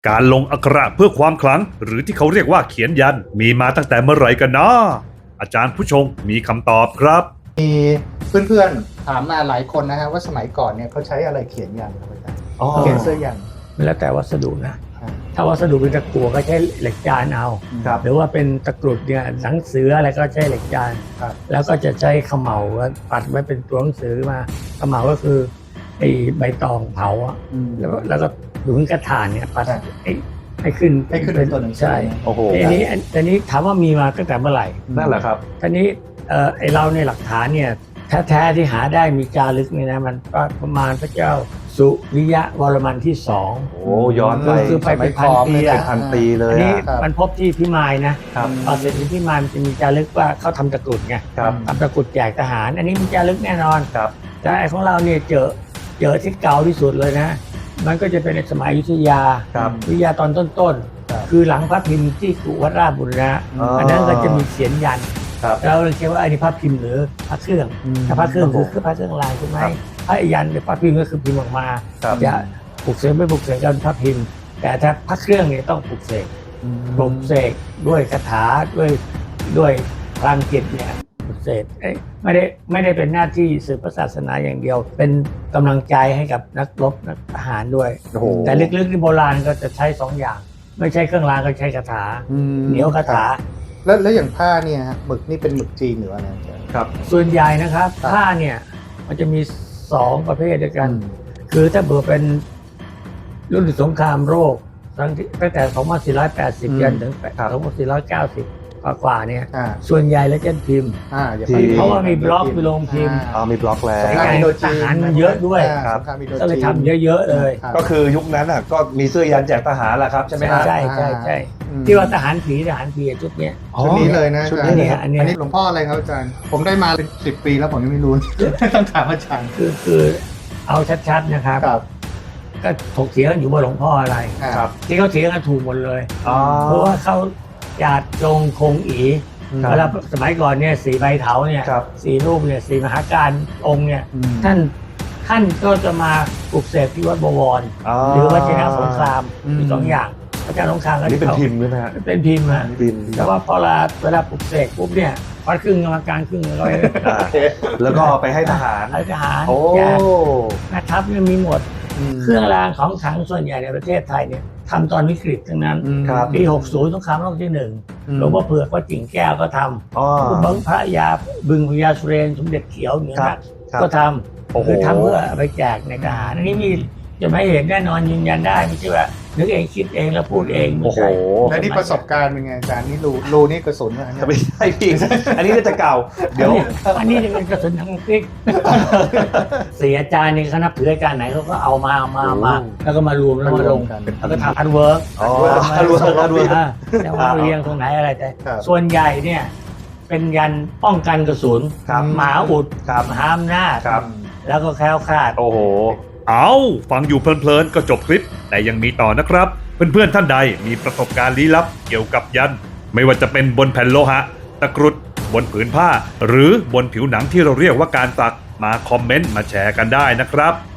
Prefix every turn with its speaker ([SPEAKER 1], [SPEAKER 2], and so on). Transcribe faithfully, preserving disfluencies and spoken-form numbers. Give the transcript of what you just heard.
[SPEAKER 1] การลงอักขระเพื่อความขลังหรือที่เขาเรียกว่าเขียนยันมีมาตั้งแต่เมื่อไหร่กันนะอาจารย์ผู้ชงมีคำตอบครับ
[SPEAKER 2] มีเพื่อนๆถามมาหลายคนนะฮะว่าสมัยก่อนเนี่ยเขาใช้อะไรเขียนยันครับอาจารย์เขียนเสื้อยัน
[SPEAKER 3] แล้วแต่วัสดุนะถ้าวัสดุเป็นตะกั่วก็ใช้เหล็กจานเอาหรือว่าเป็นตะกรุดเนี่ยหนังสืออะไรก็ใช้เหล็กจานแล้วก็จะใช้ขมเหลาปัดไว้เป็นตัวหนังสือมาขมเหลาก็คือไอ้ใบตองเผาอ่ะแล้วแล้วก็ดูกระถางเนี่ยปัดให้ขึ้น
[SPEAKER 2] ให้ขึ้นเป็นตัวหนังสือ
[SPEAKER 3] ใช่
[SPEAKER 4] โอ้โห
[SPEAKER 3] ทีนี้อันนี้ถามว่ามีมาตั้งแต่เมื่อไหร่
[SPEAKER 4] นั่นแหละครับ
[SPEAKER 3] ทีนี้เออไอเราในหลักฐานเนี่ยแท้ๆที่หาได้มีจารึกนี่นะมันประมาณพระเจ้าสุริยะวรมันที่สอง
[SPEAKER 4] โอ้ย้อนไป
[SPEAKER 3] คือไปเป็นพันปี
[SPEAKER 4] เป็นพันปีเลย
[SPEAKER 3] อันนี้มันพบที่พิมายนะครับพอเสร็จที่พิมายมันจะมีจารึกว่าเขาทำตะกรุดไงทำตะกรุดแจกทหารอันนี้มีจารึกแน่นอน
[SPEAKER 4] ครับ
[SPEAKER 3] แต่ไอของเราเนี่ยเจอเจอที่เก่าที่สุดเลยนะมันก็จะเป็นในสมัยอยุธยาอยุธยาตอนต้นๆคือหลังพระพิมพ์ที่กุวัดราชบุรณะอันนั้นก็จะมีเขียนยันเราเลยคิดว่าอันนี้พระพิมพ์หรือพระเครื่องถ้าพระเครื่องคือคือพระเครื่องลายใช่ไหมพระยันหรือพระพิมพ์ก็คือพิมพ์ออกมาจะปลุกเสกไม่ปลุกเสกกันพระพิมพ์แต่ถ้าพระเครื่องเนี่ยต้องปลุกเสกปลุกเสกด้วยคาถาด้วยด้วยพลังจิตเนี่ยปลุกเสกไม่ได้ไม่ได้เป็นหน้าที่สืบพระศาสนาอย่างเดียวเป็นกำลังใจให้กับนักรบนักทหารด้วยแต่ลึกๆที่โบราณก็จะใช้สองอย่างไม่ใช่เครื่องรางก็ใช้คาถาเหนียวคาถา
[SPEAKER 2] แล้วแล้วอย่างผ้าเนี่ยหมึกนี่เป็นหมึกจีนหรืออะไร
[SPEAKER 3] ครับส่วนใหญ่นะครับผ้าเนี่ยมันจะมีสองประเภทด้วยกันคือถ้าเบอร์เป็นรุ่นสงครามโลกตั้งแต่สองพันสี่ร้อยแปดสิบยันถึงสองพันสี่ร้อยเก้าสิบกว่าเนี่ยส่วนใหญ่แล้วจะพิมพ์เพราะว่ามีบล็อกมีโรงพิมพ์
[SPEAKER 4] อ๋อมีบล็อกแล้ว
[SPEAKER 3] ทหารมันเยอะด้วยก็เลยทำเยอะๆเลย
[SPEAKER 4] ก็คือยุคนั้นอ่ะก็มีเสื้อยันแจกทหารแหละครับใช่ไหมครับ
[SPEAKER 3] ใช่ใช่ใช่ที่ว่าทหารผีทหารผีชุดนี้
[SPEAKER 2] ชุดนี้เลยนะ
[SPEAKER 3] ชุดนี้อัน
[SPEAKER 2] นี้หลวงพ่ออะไรครับอาจารย์ผมได้มาเป็นสิบปีแล้วผมยังไม่รู้ต้องถามอาจารย์
[SPEAKER 3] คือคือเอาชัดๆนะครับก็ถกเถียงกันอยู่ว่าหลวงพ่ออะไรที่เขาเถียงกันถูกหมดเลยเพราะว่าเขาหยาดจงคงอีเวลาสมัยก่อนเนี่ยสีใบเถาเนี่ยสีรูปเนี่ยสีมหาการองค์เนี่ยท่านท่านก็จะมาปลุกเสกที่วัดบวรหรือวัดชนะสงครามมีสองอย่างอาจารย์สงครามก็
[SPEAKER 4] เป็นพิมพ์ใช่ไหมฮะ
[SPEAKER 3] เป็นพิมพ์นะแต่ว่าพอเวลาเวลาปลุกเสกปุ๊บเนี่ยวัดครึ่งกรรมการครึ่งร้อย
[SPEAKER 4] แล้วก็ไปให้ทหาร
[SPEAKER 3] ให้ทหารแจกแม่ทัพเนี่ยมีหมดเครื่องรางของขลังส่วนใหญ่ในประเทศไทยเนี่ยทำตอนวิกฤตทั้งนั้นปีหกสิบสงครามโลกที่หนึ่งหลวงพ่อเผือกวัดจิ่งแก้วก็ทำคุณบังพระยาบึงพญาสุเรนสมเด็จเขียวเนี่ยนะก็ทำคือทำเพื่อไปแจกในทหารอันนี้มีจะไม่เห็นแน่นอนยืนยันได้ไม่ใช่ว่านึกเองคิดเองแล้วพูดเอง
[SPEAKER 4] ไม่ใช่
[SPEAKER 2] แล้วนี่ประสบการณ์เป็นไงอาจารย์นี่รูรูนี่กระสุนอะไร
[SPEAKER 4] ไม่ใช่พี่อันนี้จะเก่าเดี๋ยว
[SPEAKER 3] อันนี้จะเป็นกระสุนทางฟิกเสียอาจารย์นี่เขานับถืออาจารย์ไหนเขาก็เอามามามาแล้วก็มารวมแล้วมาลงแล้วก็ทำอันเวิร์ก
[SPEAKER 4] อ๋ออันเวิร์กอันเวิร์ก
[SPEAKER 3] แล้วว่าเรียงตรงไหนอะไรแต่ส่วนใหญ่เนี่ยเป็นยันป้องกันกระสุนหมาอุดมหาอำนาจแล้วก็แคล้วคลาด
[SPEAKER 4] โอ้โห
[SPEAKER 1] เอาฟังอยู่เพลินๆก็จบคลิปแต่ยังมีต่อนะครับเพื่อนๆท่านใดมีประสบการณ์ลี้ลับเกี่ยวกับยันไม่ว่าจะเป็นบนแผ่นโลหะตะกรุดบนผืนผ้าหรือบนผิวหนังที่เราเรียกว่าการสักมาคอมเมนต์มาแชร์กันได้นะครับ